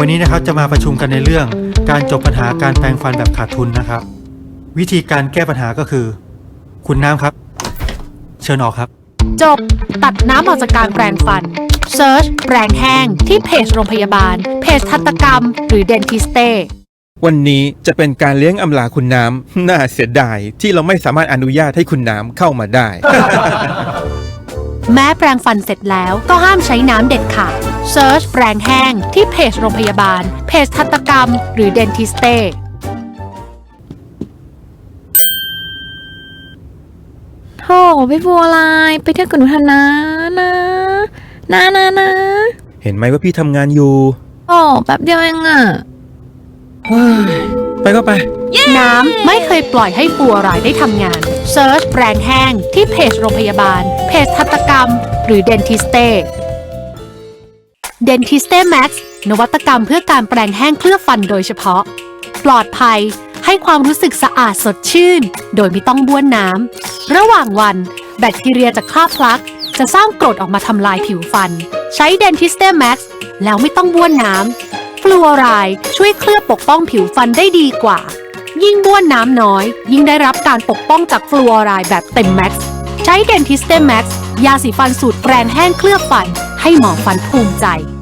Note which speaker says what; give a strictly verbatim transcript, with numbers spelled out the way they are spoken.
Speaker 1: วันนี้นะครับจะมาประชุมกันในเรื่องการจบปัญหาการแปรงฟันแบบขาดทุนนะครับวิธีการแก้ปัญหาก็คือคุณน้ำครับเชิญออกครับ
Speaker 2: จบตัดน้ำออกจากการแปรงฟันเซิร์ชแปรงแห้งที่เพจโรงพยาบาลเพจทันตกรรมหรือ Dentiste
Speaker 3: วันนี้จะเป็นการเลี้ยงอำลาคุณน้ำน่าเสียดายที่เราไม่สามารถอนุญาตให้คุณน้ำเข้ามาได้
Speaker 2: แม้แปรงฟันเสร็จแล้วก็ห้ามใช้น้ำเด็ดขาดเซิร์ชแปรงแห้งที่เพจโรงพยาบาลเพจทันตกรรมหรือ Dentiste
Speaker 4: โธ่พี่บัวลายไปเที่ยวกับหนูทันนะนะนะนะนะ
Speaker 3: เห็นไหมว่าพี่ทำงานอยู่
Speaker 4: โอ้แป๊บเดียวเองอะ
Speaker 3: ไปก็ไป
Speaker 2: น้ำไม่เคยปล่อยให้ฟลูออไรด์ได้ทำงานเซิร์ชแปรงแห้งที่เพจโรงพยาบาลเพจทันตกรรมหรือ Dentiste Dentiste Max นวัตกรรมเพื่อการแปรงแห้งเคลือบฟันโดยเฉพาะปลอดภัยให้ความรู้สึกสะอาดสดชื่นโดยไม่ต้องบ้วนน้ำระหว่างวันแบคทีเรียจากคราบพลักจะสร้างกรดออกมาทำลายผิวฟันใช้ Dentiste Max แล้วไม่ต้องบ้วนน้ำฟลูออไรด์ช่วยเคลือบปกป้องผิวฟันได้ดีกว่ายิ่งบ้วนน้ำน้อยยิ่งได้รับการปกป้องจากฟลูออไรด์แบบเต็มแม็กซ์ใช้ Dentiste Max ยาสีฟันสูตรแปรงแห้งเคลือบฟันให้หมอฟันภูมิใจ